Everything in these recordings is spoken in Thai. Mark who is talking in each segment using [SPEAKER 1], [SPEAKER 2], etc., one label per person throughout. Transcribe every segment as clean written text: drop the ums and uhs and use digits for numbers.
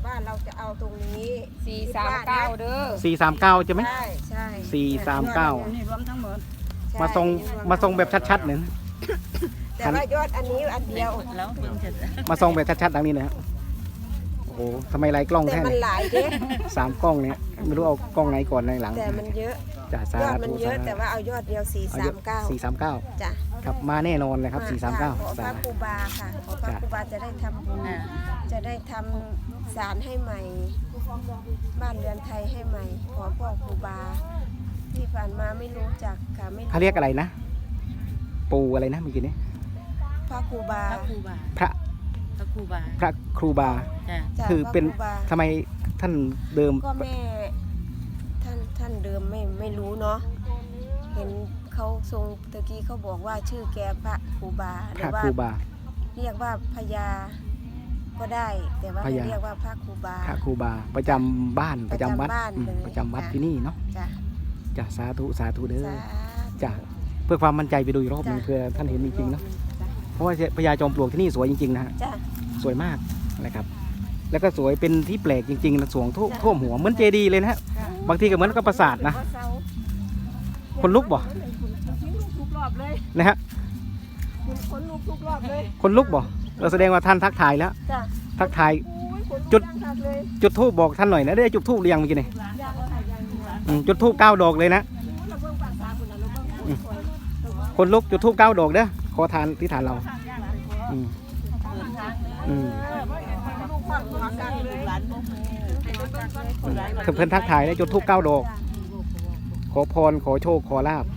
[SPEAKER 1] ว่าเราจะเอาตรงนี้
[SPEAKER 2] 439เด้อ
[SPEAKER 3] 439ใช่ไหม
[SPEAKER 1] ใช่
[SPEAKER 3] 439
[SPEAKER 4] นี่รวมทั้งหมด
[SPEAKER 3] มาทรงแบบชัดๆหนึ่ง
[SPEAKER 1] แต่ว่ายอดอันนี้อันเดียว
[SPEAKER 4] แล้วเพิ่งจะ
[SPEAKER 3] มาทรงแบบชัดๆดังนี้นะฮะโอ้โหทำไมไล่กล้อง
[SPEAKER 1] แต่
[SPEAKER 3] แท้
[SPEAKER 1] มัน
[SPEAKER 3] เนี่ย
[SPEAKER 1] หลายเด้
[SPEAKER 3] 3 กล้องเนี่ยไม่รู้เอากล้องไหนก่อนในหลัง
[SPEAKER 1] แต่มันเยอะ
[SPEAKER 3] จ้ะสาย
[SPEAKER 1] อดมัน
[SPEAKER 3] ธุ
[SPEAKER 1] เยอะแต่ว่าเอายอดเดียว439
[SPEAKER 3] 439
[SPEAKER 1] จ้ะ
[SPEAKER 3] ครับมาแน่นอนเลยครับ
[SPEAKER 1] ขอ
[SPEAKER 3] 439
[SPEAKER 1] พระครูบาค่ะขอพระครูบาจะได้ทำบุญจะได้ทำศาลให้ใหม่บ้านเรือนไทยให้ใหม่ขอพ่อครูบาที่ผ่านมาไม่รู้จักค่ะไม่
[SPEAKER 3] เขาเรียกอะไรนะ ปูอะไรนะเมื่อกี้นี้
[SPEAKER 1] พระครูบา
[SPEAKER 4] พระครูบา
[SPEAKER 3] พระ
[SPEAKER 4] พระครูบา
[SPEAKER 3] พระครูบา
[SPEAKER 4] จ้ะ
[SPEAKER 1] จ้ะ
[SPEAKER 3] คือเป็น
[SPEAKER 1] พระครูบา
[SPEAKER 3] ทำไมท่านเดิม
[SPEAKER 1] ก็แม่ท่านเดิมไม่รู้เนาะเห็นเขาทรงตะกี้เขาบอกว่าชื่อแกพระครูบาห
[SPEAKER 3] พ
[SPEAKER 1] รื
[SPEAKER 3] ระ
[SPEAKER 1] อว่า
[SPEAKER 3] ครูบา
[SPEAKER 1] เรียกว่าพญาก็ได้ แต่ว่า
[SPEAKER 3] พญา
[SPEAKER 1] เรียกว่าพระครูบา
[SPEAKER 3] พระครูบาประจำบ้านประจำวัด
[SPEAKER 1] ประจำบ้านเลย
[SPEAKER 3] ประจำวัด
[SPEAKER 1] จ้ะ
[SPEAKER 3] ที่นี่เนาะ
[SPEAKER 1] จ้ะ
[SPEAKER 3] จ้ะสาธุสาธุเด้อ
[SPEAKER 1] สาธุ
[SPEAKER 3] จ้ะเพื่อความมั่นใจไปดูอีกรอบหนึง
[SPEAKER 1] จ้ะ
[SPEAKER 3] เพื่อท่านเห็นจริงๆเนาะ
[SPEAKER 1] จ้ะ
[SPEAKER 3] เพราะว่าพญาจอมปลวกที่นี่สวยจริงๆนะฮะ
[SPEAKER 1] จ้ะ
[SPEAKER 3] สวยมากนะครับ แล้วก็สวยเป็นที่แปลกจริงๆนะสวงท่วม
[SPEAKER 1] จ้ะ
[SPEAKER 3] ท่วมหัวเหมือนเจดีย์เลยนะฮะบางทีก็เหมือนกับปราสาทนะคนลุกบ่
[SPEAKER 1] ทุกรอบเลย
[SPEAKER 3] นะฮะ
[SPEAKER 1] คนลุกทุกรอบเลย
[SPEAKER 3] คนลุกบ่เราแสดงว่าท่านทักทายแล้ว
[SPEAKER 1] จ้ะ
[SPEAKER 3] ทักทาย
[SPEAKER 1] โอ้ยขนลุก
[SPEAKER 3] จุด
[SPEAKER 1] มากเลย
[SPEAKER 3] จุดธูปบอกท่านหน่อยนะได้จุดธูปเรียงเมื่อกี้นี่
[SPEAKER 1] ยากค่ะยากอยู่
[SPEAKER 3] จุดธูป9 ดอกเลยนะ
[SPEAKER 1] เราเบิ่งภาษาคนนั้นเราเบิ่งคนสวย
[SPEAKER 3] คนลุกจุดธูป9 ดอกเด้อขอทานที่ฐานเราอืมอืม
[SPEAKER 1] ลูกฟังหัวกันเลย
[SPEAKER 4] หลานพวกนี้
[SPEAKER 3] เพิ่นทักทายได้จุดธูป9 ดอก ขอพรขอโชคขอลาบ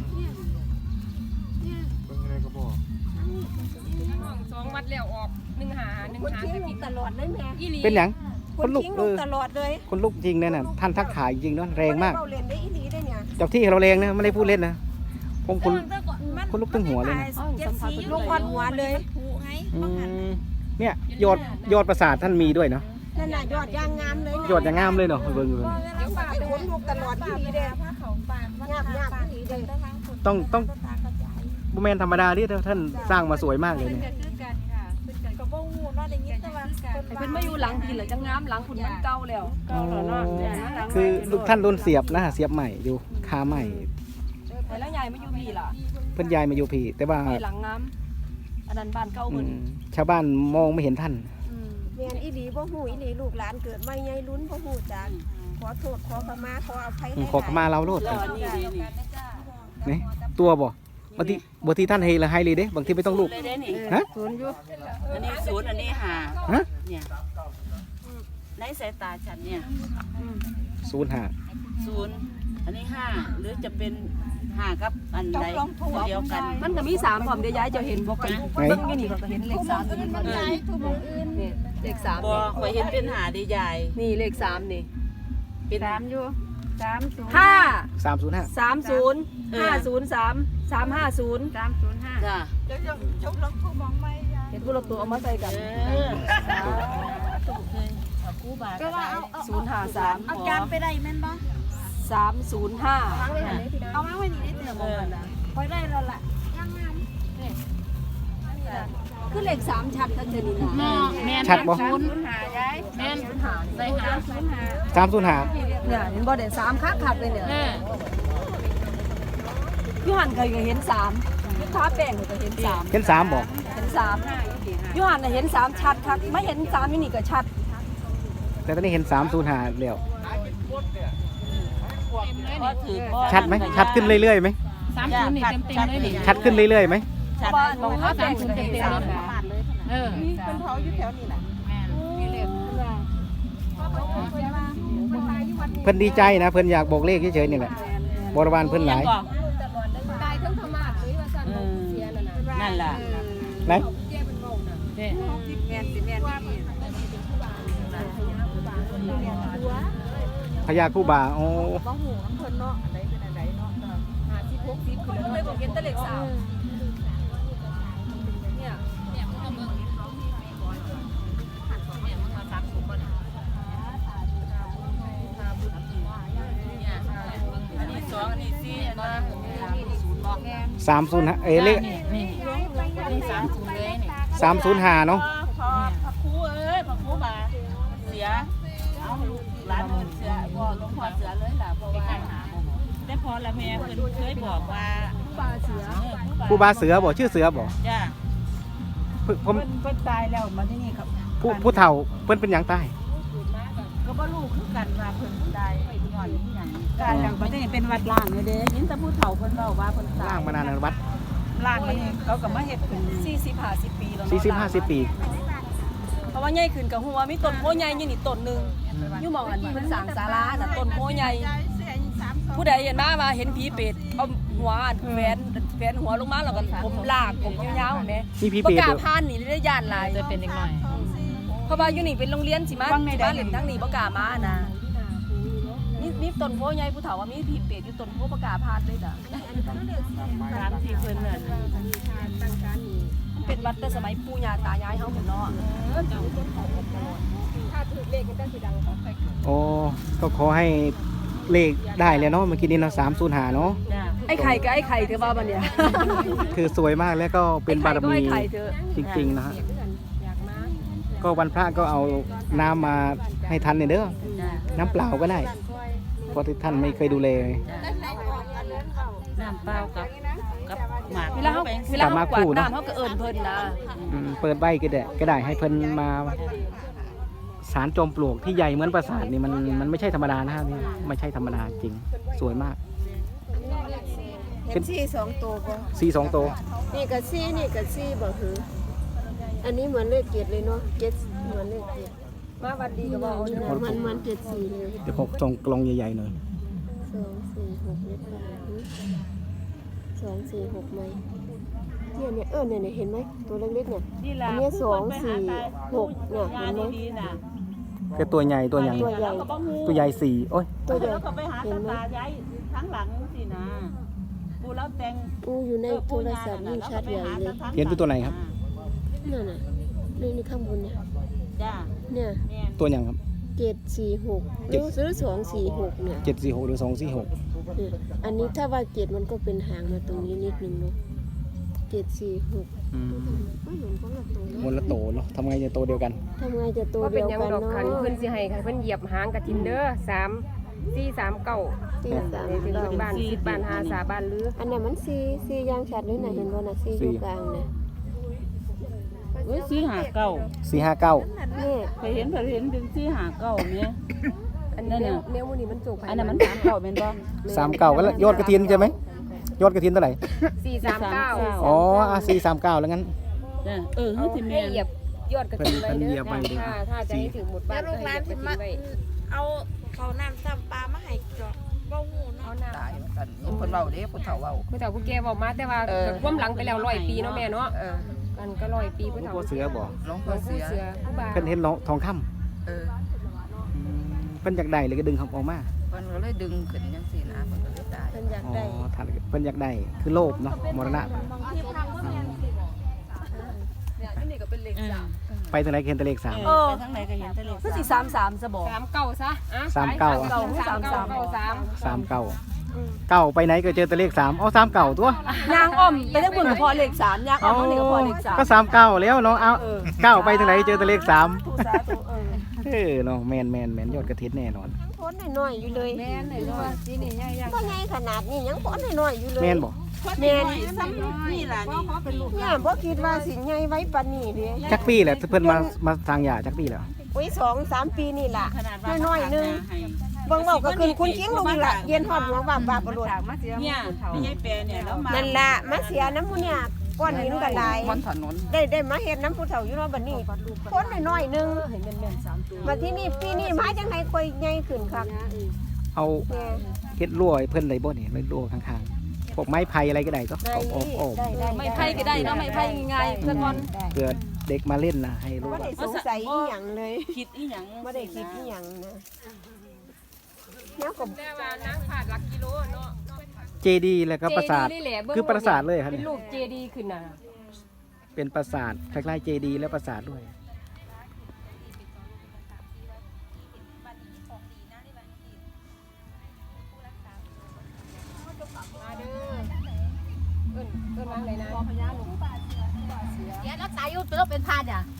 [SPEAKER 2] 2 วัดแล้วออก1 หา
[SPEAKER 1] คน
[SPEAKER 2] 1 หา
[SPEAKER 1] ทิ้งลูกตลอดเลยแม่
[SPEAKER 2] อีหลี
[SPEAKER 3] เป็นหยัง
[SPEAKER 1] ค
[SPEAKER 3] คน นลุก
[SPEAKER 1] ทิ้ง
[SPEAKER 3] เอ
[SPEAKER 1] ลูก
[SPEAKER 3] อ
[SPEAKER 1] ตลอดเลย
[SPEAKER 3] คนลุกจริงเนี่ยน่ะท่านทักทายจริงเนาะแรงมาก
[SPEAKER 1] เล่นได้อีหลีได้เนี่ย
[SPEAKER 3] เจ้าที่เราแรงนะไม่ได้พูดเล่นนะผมคนลุกตึงหัวเลยนะ
[SPEAKER 1] ลูกควันหัวเลย
[SPEAKER 3] อืมเนี่ยยอดประสาทท่านมีด้วยเนาะ
[SPEAKER 1] นั่นน่ะยอดยางงามเลย
[SPEAKER 3] ยอดอย่างงามเลยเนาะเบิ่งดู
[SPEAKER 1] เดี๋ยวฝากขนลูกตลอดอีหลีเด้ยาบยาบอีหลีเด้
[SPEAKER 3] ต้องบ่แม่นธรรมดาที่ท่านสร้างมาสวยมากเลยเนี่ย
[SPEAKER 2] เพิ่นมาอยู่หลังพี่เหรอจังงามหลังคุณมันเก่าแล้ว
[SPEAKER 3] อ๋อคือลูกท่านโดนเสียบนะเสียบใหม่อยู่คาใหม่
[SPEAKER 2] แต่แล้วยายมาอยู่พี่ล่ะ
[SPEAKER 3] เพิ่นย้ายมาอยู่พี่แต่ว่า
[SPEAKER 2] พี่หลังงามอันนั้นบ้านเก่า
[SPEAKER 3] อื
[SPEAKER 2] เพิ่น
[SPEAKER 3] มชาวบ้านมองไม่เห็นท่าน
[SPEAKER 1] แม่นอีหลีบ่ฮู้อีหลีลูกหลานเกิดมาใหญ่ลุ้นบ่ฮู้จักขอโทษขอขมาขออภัย
[SPEAKER 3] ขอขมาเราโลด
[SPEAKER 4] แล้วอันนี้นี่
[SPEAKER 3] นี่ตัวบ่บางทีท่านเฮละให้เลยเด้บางทีไม่ต้องลูก
[SPEAKER 4] เลยได้นี่
[SPEAKER 3] ฮะ
[SPEAKER 4] ศูนย์อยู่อันนี้ศูนย์อันนี้หา
[SPEAKER 3] ฮะ
[SPEAKER 4] เนี่ยในสายตาฉันเนี่ย
[SPEAKER 3] 05
[SPEAKER 4] ศูนย์อันนี้5หรือจะเป็น5กับอันใดเดียวกัน
[SPEAKER 2] มันก็มี3พร้อมเดี๋ยวยายจะเห็นบ่กัน
[SPEAKER 3] ไหน
[SPEAKER 2] เบิ่งอยู่นี่ก็เห็นเลข3อยู่นี่บ่นี่นี่เลข3
[SPEAKER 4] บ่
[SPEAKER 2] นี่
[SPEAKER 4] ข่อยเห็นเป็นหาดีใหญ่
[SPEAKER 2] นี่เลข3นี่
[SPEAKER 4] เป็น
[SPEAKER 2] 5
[SPEAKER 3] 305
[SPEAKER 2] 30 503 350
[SPEAKER 4] จ้ะ
[SPEAKER 2] เห็นผู้ละตัวเอามาใส่กัน
[SPEAKER 4] ก็ว่าเอา
[SPEAKER 2] 053
[SPEAKER 4] เอาจานไปได้แม่นบ่
[SPEAKER 2] 305
[SPEAKER 4] เอามาไว้นี่ได้เตือนบ่กันนะค่อยได้แล้วล่ะ
[SPEAKER 2] คือเลข3ชัดทั้งเทื่อนี่นะ
[SPEAKER 4] แม่น
[SPEAKER 3] ชัดบ่
[SPEAKER 4] 0.5ยายแม่นใส่หา
[SPEAKER 3] 305
[SPEAKER 2] เนี่ยเห็นบ่ได้3คักๆเลยเนี่ยยูหันเคยก็เห็น3ยูท้าแป้งก็เห็น3
[SPEAKER 3] เห็น3บ่
[SPEAKER 2] เห็น3ยูหันน่ะเห็น3ชัดคักไม่เห็น3อยู่นี่ก็ชัด
[SPEAKER 3] แต่ตอนนี้เห็น305แล้ว
[SPEAKER 4] ก็ถือบ่
[SPEAKER 3] ชัดไหมชัดขึ้นเรื่อยๆไหม
[SPEAKER 4] 30นี่เต็มๆเลยนี่
[SPEAKER 3] ชัดขึ้นเรื่อยๆไหม
[SPEAKER 2] เพราะว่าน้องท้าแป้งก็เห็น3
[SPEAKER 1] เป็นเผาอยู่แถวนี้แหละ
[SPEAKER 3] เพิ่นดีใจนะเพิ่นอยากบอกเลขเฉยๆนี่แหละบริวารเพิ่นหลาย
[SPEAKER 2] ตายทั้งธรรมะหรือว่าซั่นบ่เสียนั่นน่ะ
[SPEAKER 4] นั่นล่ะ
[SPEAKER 3] ไหน
[SPEAKER 4] นี่
[SPEAKER 2] แม่นสิแม่นนี่
[SPEAKER 3] พญาครูบาโอ้
[SPEAKER 1] บ่ฮู้อำเพิ่นเนาะอันใดเป็นอันใดเนาะ50 60ขึ้น
[SPEAKER 2] ก็
[SPEAKER 1] แล้ว
[SPEAKER 2] เลยบอกเห็นแต่เลข3เนี่ย
[SPEAKER 4] อันนี้2อันนี้4อันนั้น
[SPEAKER 3] 305เลข
[SPEAKER 4] นี่30เลยนี่
[SPEAKER 3] 305เนาะ
[SPEAKER 4] พระครูเอ้ยพระครูบาเสียเอาร้านเอิ้นเสือพ่อหลวงพ่อเสือเลยล่ะเพราะว่าแต่พอละแม่เพิ่นเคยบอกว่า
[SPEAKER 3] ครูบาเสือบ่ชื่อเสือบ่
[SPEAKER 4] จ้า
[SPEAKER 3] ผม
[SPEAKER 4] เพิ่นตายแล้วมาที่นี่ครับ
[SPEAKER 3] ผู้เฒ่าเพิ่นเป็นหยังใต้
[SPEAKER 4] ก็บ่รู้คือกันว่าเพิ่นตายย้อนอีหยังการอย่างประเทศเป็นวัดล้างเลยเด้ยินแต่ผู้เฒ่าเพิ่นเว้าว่าเพิ่นตาย
[SPEAKER 3] ล่างมานานในวัด
[SPEAKER 4] ล้างนี่เขาก็มาเฮ็ดขึ้น
[SPEAKER 2] 40-50 ปีแล้วเนาะ
[SPEAKER 3] 40-50 ปี
[SPEAKER 2] เพราะว่าใหญ่ขึ้นกับหัวมีต้นโพใหญ่อยู่นี่ต้นหนึงอยู่หม่องอันเพิ่นสร้างศาลาน่ะต้นโพใหญ่ผู้ใดเห็นมาว่าเห็นผีเป็ดเอาหัวอันแฟนหัวลงมาแล้วก็ผมลากผมยาวๆแหม
[SPEAKER 3] มีผี
[SPEAKER 2] บ่
[SPEAKER 3] เป็ด
[SPEAKER 2] กล้า
[SPEAKER 3] ด้วย
[SPEAKER 2] ผ่านนี่ได้ย่านหลายจะเป็นเด็กน้อยเพราะว่าอยู่นี่เป็นโรงเรียนสิมาเล่นทั้งนี้บ่กล้ามานะนี่ต้นโพใหญ่ผู้เฒ่าว่ามีผีเป็ดอยู่ต้นโพบ่กล้าผ่านเลยจ้ะ
[SPEAKER 4] ตามที่เพิ่นนั่น
[SPEAKER 2] เป็นวัดแต่สมัยปู่ย่าตายายเฮาหมดเนาะ
[SPEAKER 3] โอ้ก็ขอให้เลขได้เลยเนาะเมื่อกี้นี้เนาะ305เนาะ
[SPEAKER 4] จ้า
[SPEAKER 2] ไอ้ไข่กับไอ้ไข่เธอว่าบัดเนี่ย
[SPEAKER 3] คือสวยมากแล้วก็เป็นบารมี
[SPEAKER 2] ไอ้ไข่เธอ
[SPEAKER 3] จริงๆนะฮะก็วันพระก็เอาน้ำมาให้ท่านเนี่ยเด้อ
[SPEAKER 4] จ้า
[SPEAKER 3] น้ำเปล่าก็ได้เพราะที่ท่านไม่เคยดูแล
[SPEAKER 4] น้ำเปล่ากับหมาก
[SPEAKER 2] เวลาเฮากวาดน้ำเฮาก็เอิ้นเพิ่นนะ
[SPEAKER 3] เปิดใบก็ได้ให้เพิ่นมาสารจอมปลวกที่ใหญ่เหมือนปราสาทนี่มันไม่ใช่ธรรมดานะฮะนี่ไม่ใช่ธรรมดาจริงสวยมาก
[SPEAKER 1] เห็นซี่สองตัวบ่
[SPEAKER 3] สี2ตัว
[SPEAKER 1] นี่กับซี่นี่กับซี่บ่หืออันนี้เหมือนเลข7เลยเนาะ7เหมือนเลข7มาวันดีก็บ่มัน74เลย
[SPEAKER 3] เดี๋ยวผมส่งกลองใหญ่ๆหน่อย
[SPEAKER 1] 2 4 6เลข2 4 6ไหมเนี่ยเนี่ยเห็นไหมตัวเล็กๆเนี่ย
[SPEAKER 4] นี่ล่ะ
[SPEAKER 1] อันนี้2 4 6เนี่ยเห็นไหม
[SPEAKER 4] ดีๆน่ะ
[SPEAKER 3] ก็ตัวใหญ่ตัวใหญ่
[SPEAKER 1] ตัวใหญ่
[SPEAKER 3] ตัวใหญ่สี่โอ้ย
[SPEAKER 1] ตัวใหญ่
[SPEAKER 4] แล้วก็ไปหา
[SPEAKER 1] เห็นไหม
[SPEAKER 4] ตาย้ายทั้งหลังสินะปูแล้วแต่ง
[SPEAKER 1] อยู่ในโทรศัพท์ยิ่งชัดใหญ่เลย
[SPEAKER 3] เห็นเป็นตัวไหนครับ
[SPEAKER 1] นั่นน่ะนี่ข้างบนเนี่ย
[SPEAKER 4] จ้า
[SPEAKER 1] เนี่ย
[SPEAKER 4] แม่น
[SPEAKER 3] ตัวอย่างครับ
[SPEAKER 1] 746หรือ246เนี่ย
[SPEAKER 3] 746หรือ246
[SPEAKER 1] เนี่ยอันนี้ถ้าว่า7มันก็เป็นหางมาตรงนี้นิดนึงเนาะ746
[SPEAKER 3] อืม
[SPEAKER 1] ไม่เหมือนคนละตัว
[SPEAKER 3] มนละโตเนาะทำไงจะโตเดียวกัน
[SPEAKER 1] ทำไงจะตัว
[SPEAKER 5] ว่าเป็
[SPEAKER 1] เดี
[SPEAKER 5] น
[SPEAKER 1] ยว
[SPEAKER 5] หยัง
[SPEAKER 1] กัน
[SPEAKER 5] ดอก
[SPEAKER 1] เนาะ
[SPEAKER 5] ขันเพิ่นสิให้ค่ะเพิ่นเหยียบหางกระทินเด้อ3 4 3 9
[SPEAKER 1] ที่สาม
[SPEAKER 5] ในถึง
[SPEAKER 1] เก้า
[SPEAKER 5] บ้าน10บ้าน5 3บ้านลือ
[SPEAKER 1] อันนั้นมันซียางชัดเลยนะเห็นบ่น่ะซีอยู่กลางน่ะ
[SPEAKER 4] เว้ยสีหาเก้า
[SPEAKER 3] 459
[SPEAKER 1] นี่
[SPEAKER 4] เคยเห็นเป็นสีหาเก้าเนี่ย
[SPEAKER 5] อันนี้แนวมื้อนี้มันโจก
[SPEAKER 4] อันนั้นมันสามเก้าเป็นบ่
[SPEAKER 3] 39ก็แล้วยอดกระถินใช่ไหมยอดกระถินเท่าไหร่
[SPEAKER 5] 439
[SPEAKER 3] อ๋อ439แล้วงั้น
[SPEAKER 4] จ้าเฮื
[SPEAKER 5] เอา
[SPEAKER 4] อสิ
[SPEAKER 5] ให้
[SPEAKER 4] แม่น
[SPEAKER 5] เหยียบยอดกระทินไว้
[SPEAKER 3] เพิ่นเหยี
[SPEAKER 5] เด้
[SPEAKER 3] ย
[SPEAKER 5] อบ
[SPEAKER 3] ไว้เด้อ
[SPEAKER 5] ถ้าจะให้ถึงหมดบ้านก็ให้เหยียบกระทินไว้
[SPEAKER 6] เอาเขาน้ำซ้ำปลามาให้จอกบ่หูเนาะ
[SPEAKER 5] เอาหน้า
[SPEAKER 7] ตายกันเพิ่นเว้าเด้ผู้เฒ่าเว้า
[SPEAKER 5] ผู้เฒ่าผู้แก่บอกมาแต่ว่าความหลังไปแล้ว100 ปีเนาะแม่เนาะมันก็100 ปีผู้เฒ่า
[SPEAKER 3] พ่อเสือบ่
[SPEAKER 7] หลวง
[SPEAKER 5] หล
[SPEAKER 7] พ่อ
[SPEAKER 5] วง
[SPEAKER 7] เสื
[SPEAKER 5] ปู่
[SPEAKER 7] อ
[SPEAKER 5] เสือผู้บา
[SPEAKER 3] เพิ่นเห็นทองคำ
[SPEAKER 7] เออ
[SPEAKER 3] เพิ่นอยากได้เลยก็ดึงเขาออกมา
[SPEAKER 7] เพิ่นก็เลยดึงขึ้นจังซี่นะเพิ่นก็เลยตาย
[SPEAKER 1] เพิ่นอยาก
[SPEAKER 3] อ๋อ
[SPEAKER 1] ได้
[SPEAKER 3] ท่านเพิ่นอยากได้คือโลภเนาะมรณะ
[SPEAKER 2] เนี่ยที่นี่ก็เป็นเลข3
[SPEAKER 3] ไปทางไหนก็เห็นแต่เลข
[SPEAKER 4] ไปทางไหนก็เห็นแต่เลข
[SPEAKER 2] คือสิ33ซะบ่
[SPEAKER 5] 39ซะอ่ะ
[SPEAKER 3] 39 เก้าไปไหนก็เจอแต่เลข3อ๋อ39ตัวย
[SPEAKER 2] างอ้อมไปทั้งบนก็พอเลข3ยางอ้อมทั้งนี้ก็พอเลข3
[SPEAKER 3] ก็39แล้วเนาะเอาเก้าไปทางไหนเจอแต่เลข3
[SPEAKER 2] ทุกสาธุ
[SPEAKER 3] เนาะแม่นยอดกระถินแน่นอน
[SPEAKER 1] พ้นน้อยๆอยู่เลย
[SPEAKER 2] แม่นเลยว่าที่นี่ใหญ่
[SPEAKER 1] บ่ใหญ่ขนาดนี้ยังพ้นน้อยๆอยู่เลย
[SPEAKER 3] แม่นบ่
[SPEAKER 1] แม่น
[SPEAKER 4] นี่ล่ะนี่
[SPEAKER 1] เนี่ยบ่คิดว่าสิใหญ่ไว้ปานนี้เด้
[SPEAKER 3] จักปีแหละเพิ่นมาทางยาจักปีแล้ว
[SPEAKER 1] อุ้ย2-3 ปีนี่ล่ะ
[SPEAKER 4] ขนาดว่า
[SPEAKER 1] น้อยๆนึง
[SPEAKER 4] ให้
[SPEAKER 1] เบิ่งเว้าก็ขึ้นคุณคิงลงนี่ล่ะเย็นฮอดหัวว่าบาปรวด
[SPEAKER 4] เนี่ยไม่ใช่แปรเนี่ยแล้วมา
[SPEAKER 1] นั่นล่ะมาเสียน้ำหมูเนี่ยก้อนหินก็หลาย
[SPEAKER 7] บนถนน
[SPEAKER 1] ได้มาเฮ็ดน้ำผู้เฒ่าอยู่เนาะบัดนี้พ้นน้อยๆนึง
[SPEAKER 2] เห็นแม่นๆ3ตัว
[SPEAKER 1] มาที่นี่ปีนี้มาจังได๋ค่อยใหญ่ขึ้นคัก
[SPEAKER 3] เอา
[SPEAKER 1] แม่
[SPEAKER 3] เฮ็ดรั่วให้เพิ่นได้บ่นี่รั่วข้างๆพวกไม้ไผ่อะไรก็ได้ก็
[SPEAKER 1] ได้
[SPEAKER 3] ออก
[SPEAKER 1] ได้
[SPEAKER 2] ไม่ไพ่ก็ได้เนาะไม่ไพ่ง่ายๆเพื่อนก่อน
[SPEAKER 3] เพื่อเด็กมาเล่นนะให้รู้
[SPEAKER 1] บ่
[SPEAKER 3] ว่า
[SPEAKER 1] ได้สงสัยอีหยังเลย
[SPEAKER 4] คิดอีหยัง
[SPEAKER 1] บ่ได้คิดอีหยังนะแล้วก็
[SPEAKER 5] แต่ว่านางขาดหลักกิโลเนาะ
[SPEAKER 3] เจดีแล้วก็ปราสาท
[SPEAKER 5] เจดีย์นี่แหละเบิ่ง
[SPEAKER 3] คือปราสาทเลยครับ
[SPEAKER 5] เป็
[SPEAKER 3] เนี่
[SPEAKER 5] น
[SPEAKER 3] ย
[SPEAKER 5] รูปเจดีย์ขึ้นน่ะ
[SPEAKER 3] เป็นปราสาทคล้ายๆเจดีและปราสาทด้วย
[SPEAKER 5] มาเด้อเอิ้นวางไหนนะ
[SPEAKER 6] เดี๋ยวเราตายอยู่ตัวเป็นพานเนี่ย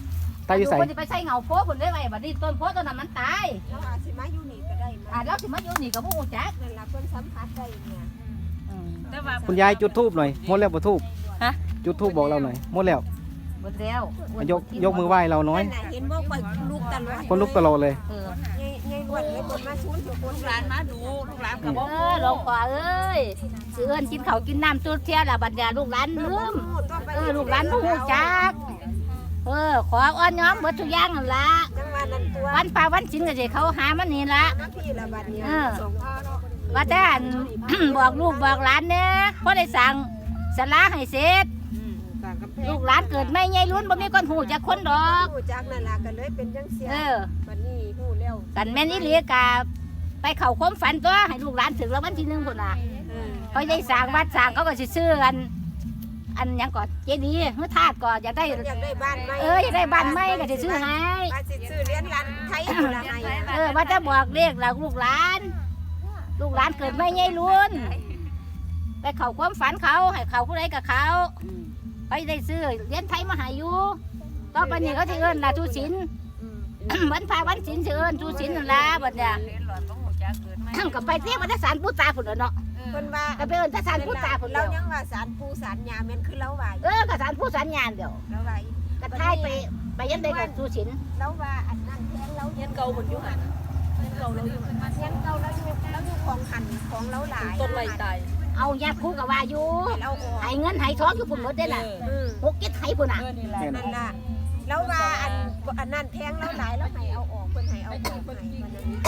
[SPEAKER 3] ตายอยู่ไส
[SPEAKER 8] คนที่ไปใส่เงาโพผลได้ไว้บัดนี้ต้นโพต้นนั้นมันตาย
[SPEAKER 1] แล้วอาสิมาอยู่นี่ก็ได้มา
[SPEAKER 8] แล้วสิมาอยู่นี่ก็บ่ฮู้จัก
[SPEAKER 1] นั่นล่ะเพิ่นสัมผัสได้เนี่ย
[SPEAKER 4] แต่ว่า
[SPEAKER 3] คุณยายจุดธูปหน่อยหมดแล้วบ่ธูป
[SPEAKER 8] ฮะ
[SPEAKER 3] จุดธูปบอกเราหน่อยหมดแล้ว
[SPEAKER 8] หมดแล้ว
[SPEAKER 3] ยกมือไหว้เราน้อย
[SPEAKER 1] นั่นน่ะเห็นบ่ข่อยลูกตลอด
[SPEAKER 3] คนลุกตลอดเลย
[SPEAKER 8] เออ
[SPEAKER 1] ไงล้วนเลยเพิ่นมาชูนอยู่คน
[SPEAKER 4] ลูกหลานมาดูลูกหลานก็บ่
[SPEAKER 8] หลวงพ่อเอ้ยสิเอิ้นกินข้าวกินน้ำจุดเที่ยละบัดนี้ลูกหลานลืมลูกหลานบ่ฮู้จักขออ้อนย้อมหมดทุกอย่างนั่นล่ะ
[SPEAKER 1] จังว่านั่นตัว
[SPEAKER 8] วันป่าวันศีลก็สิเขาหามันนี่ล่ะ
[SPEAKER 1] มาพี่ละบัดนี้ส่งพ่อเนาะ
[SPEAKER 8] ว่าแต่อัน บอกลูกบอกหลานเนี่ยพอได้สั่งสลาให้เสร็จ
[SPEAKER 1] ต่างกำแพง
[SPEAKER 8] ลูกหลานเกิดไม่ใหญ่ลุ้นบ่มีคนหูจักคนดอก
[SPEAKER 1] ฮู้จักนั่นล่ะก็เลยเป็นจังเสียบัดนี้ฮู้แล้ว
[SPEAKER 8] กันแม่นอี่เลียกาไปเข้าความฝันตัวให้ลูกหลานถึงแล้ววันที่1พุ่นน่ะเขาได้สั่งวัดสั่งเขาก็สิซื้ออันหยังก่อนเจดีย์เฮือธาตุก่อนอยากได้
[SPEAKER 1] อยากได้บ้านใหม่
[SPEAKER 8] อยากได้บ้านใหม่ก็สิซื้อให้
[SPEAKER 1] ว่าสิซื้อเรียนร้านไทยพุ่นล่ะให้
[SPEAKER 8] ว่าจะบอกเลขล่ะลูกหลาน ลูกหลานเกิดไม่ใหญ่ลุ้นไปเข้าความฝันเขาให้เขาผู้ใดกับเขาไปได้ซื้อเรียนไทยมาใหาอยู่ต่อไปนี้เขาสิเอิ้นล่ะทุศิลป์ วันพาวันศีลสิเอิ้นทุศิลป์นั่นล่ะบัดเนี่ยก็ไปเที่ยววัดศาลปู่ตาพุ่นเนาะ
[SPEAKER 1] เพิ่นว่า
[SPEAKER 8] ก็ไปเอิ้นศาลปู่ตาพุ่น
[SPEAKER 1] เรา
[SPEAKER 8] แล้ว
[SPEAKER 1] ยังว่าศาลปู่ศาลยาแม่นคือเราว่า
[SPEAKER 8] ก็ศาลปู่ศาลญาณเดียว
[SPEAKER 1] เราว่า
[SPEAKER 8] ก็ทายไปยันได้กับทุศิลป์
[SPEAKER 1] เราว่าอันนั้นแทงเรา
[SPEAKER 2] เฮียนเก่าเพิ่นอยู่หั่นเฮียนเก่าเราอยู่หั่น
[SPEAKER 1] แทงเราเราอยู่ของหันของเราหลาย
[SPEAKER 2] ต้นไม้ตาย
[SPEAKER 8] เอาญาติคู่กับว่าอยู่
[SPEAKER 1] เราออก
[SPEAKER 8] ให้เงินให้ทองอยู่พุ่นหมดเด้ล่ะ6 7ให้พุ่นน่ะ
[SPEAKER 1] นั่นล่ะแล้วว่าอันนั้นแทงเราหลายแล้วให้เอาออกเพิ่นให้เอาออกให้มันนั้น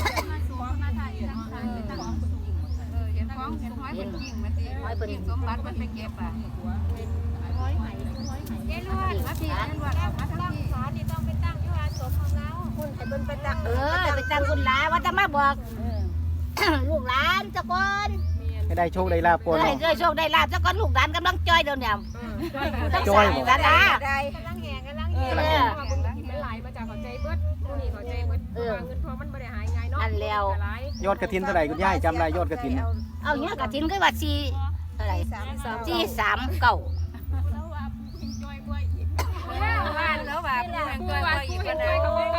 [SPEAKER 7] เห็นของเห็นห้อยเป็นจริงมันสิ
[SPEAKER 8] ให้เพิ่น
[SPEAKER 7] สมบัติมันไปเก็บอ่ะยายลวดมาพี่ยายลวดมาทางนี้
[SPEAKER 1] ศาลนี่ต้องไปตั้งที่ว่าศพของเราคุณให้เพิ่นไปตั้ง
[SPEAKER 8] ไปตั้งคุณหลาว่าจะมาบอก ลูกหลานเจ้าก่อน
[SPEAKER 3] ให้ได้โชคได้ลาภก่อน
[SPEAKER 8] ให้
[SPEAKER 3] เนาะ
[SPEAKER 8] ได้โชคได้ลาภเจ้าก่อนลูกหลานกำลังจ้อยเดี๋ยวนี้ต้อง
[SPEAKER 3] จ้
[SPEAKER 8] ใส่
[SPEAKER 3] อยบ่
[SPEAKER 8] ละละ
[SPEAKER 1] ได้กำลังแห่กำลังแห่
[SPEAKER 5] มันหลายมาจากเข้าใจเบิดผู้นี้เข้าใจเบิดเงินทองมันบ่ได้หายง่ายเนาะ
[SPEAKER 8] อันแล้ว
[SPEAKER 3] ยอดกระถินเท่าไหร่คุณยายจำได้ยอดกระถิน
[SPEAKER 8] เอาเนี้ยกระถินก็ว่า4อะไร439
[SPEAKER 7] บ้านแล้วว่าผู้แห่งตัวอีกคนใด